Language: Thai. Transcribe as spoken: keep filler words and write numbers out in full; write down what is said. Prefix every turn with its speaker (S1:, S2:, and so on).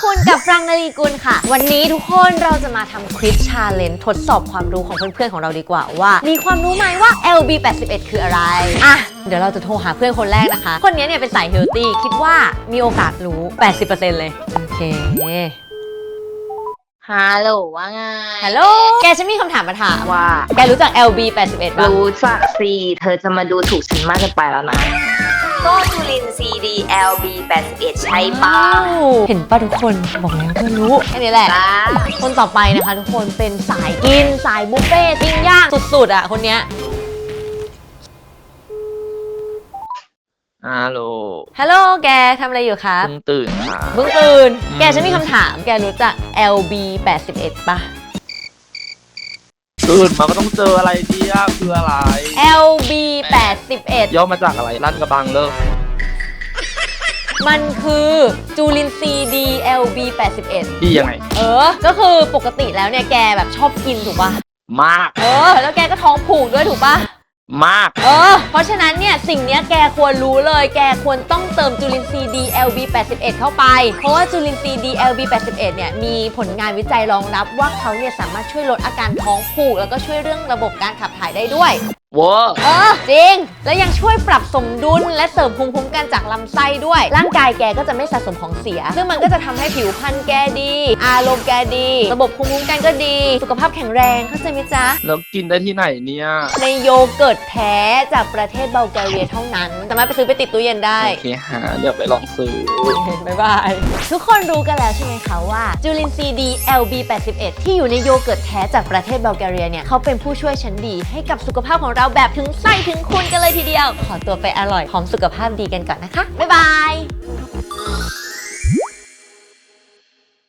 S1: คุณกับฟรังนลีกุลค่ะวันนี้ทุกคนเราจะมาทำควิซชาเลนจ์ทดสอบความรู้ของเพื่อนๆของเราดีกว่าว่ามีความรู้ไหมว่า แอล บี แปดสิบเอ็ด คืออะไรอ่ะเดี๋ยวเราจะโทรหาเพื่อนคนแรกนะคะคนนี้เนี่ยเป็นสายเฮลตี้คิดว่ามีโอกาสรู้ แปดสิบเปอร์เซ็นต์ เลยโอเค
S2: ฮัลโหลว่าไง
S1: ฮัลโหลแกฉันมีคำถามมาถาม
S2: ว่า
S1: แกรู้จัก แอล บี แปดสิบเอ็ด ป่ะ
S2: รู้จักสิเธอจะมาดูถูกฉันมากเกินไปแล้วนะก็จุลินทรีย์ดี แอล บี แปดสิบเอ็ด ใช่ป่ะ
S1: เห็นป่ะทุกคนบอกแล้วเพื่อนรู้แค่นี้แหละคนต่อไปนะคะทุกคนเป็นสายกินสายบุฟเฟ่ต์ปิ้งย่างสุดๆอ่ะคนเนี้ย
S3: ฮัลโหล
S1: ฮัลโหลแกทำอะไรอยู่ครับ
S3: เพิ่งตื่นค่ะ
S1: เพิ่งตื่นแกฉันมีคำถามแกรู้จัก แอล บี แปดสิบเอ็ด ป่ะ
S3: ตื่นมาก็ต้องเจออะไรดีอะคืออะไร
S1: แอล บี แปดสิบเอ็ด
S3: ย่อมาจากอะไรลั่นกระบังเลิก
S1: มันคือจุลินทรีย์ดี แอล บี แปดสิบเอ็ด
S3: ดียังไง
S1: เออก็คือปกติแล้วเนี่ยแกแบบชอบกินถูกป่ะ
S3: มาก
S1: เออแล้วแกก็ท้องผูกด้วยถูกป่ะ
S3: มาก
S1: เออเพราะฉะนั้นเนี่ยสิ่งนี้แกควรรู้เลยแกควรต้องเติมจุลินทรีย์ดี แอล บี แปดสิบเอ็ด เข้าไปเพราะว่าจุลินทรีย์ดี แอล บี แปดสิบเอ็ด เนี่ยมีผลงานวิจัยรองรับว่าเขาเนี่ยสามารถช่วยลดอาการท้องผูกแล้วก็ช่วยเรื่องระบบการขับถ่ายได้ด้วย
S3: ว้า
S1: เออจริงแล้วยังช่วยปรับสมดุลและเสริมภูมิคุ้มกันจากลำไส้ด้วยร่างกายแกก็จะไม่สะสมของเสียซึ่งมันก็จะทำให้ผิวพรรณแกดีอารมณ์แกดีระบบภูมิคุ้มกันก็ดีสุขภาพแข็งแรงเข้าใจไหมจ๊ะ
S3: แล้วกินได้ที่ไหนเนี่ย
S1: ในโยเกิร์ตแท้จากประเทศบัลแกเรียเท่านั้นสามารถไปซื้อไปติดตู้เย็นได้
S3: โอเคฮะเดี๋ยวไปลองซื้อ
S1: บ๊ายบายทุกคนรู้กันแล้วใช่ไหมคะว่าจุลินทรีย์ดี แอล บี แปดสิบเอ็ด ที่อยู่ในโยเกิร์ตแท้จากประเทศบัลแกเรียเนี่ยเขาเป็นผู้ช่วยชั้นดีให้กับสุขภาพของเราแบบถึงไส้ถึงคุณกันเลยทีเดียวขอตัวไปอร่อยพร้อมสุขภาพดีกันก่อนนะคะบ๊ายบาย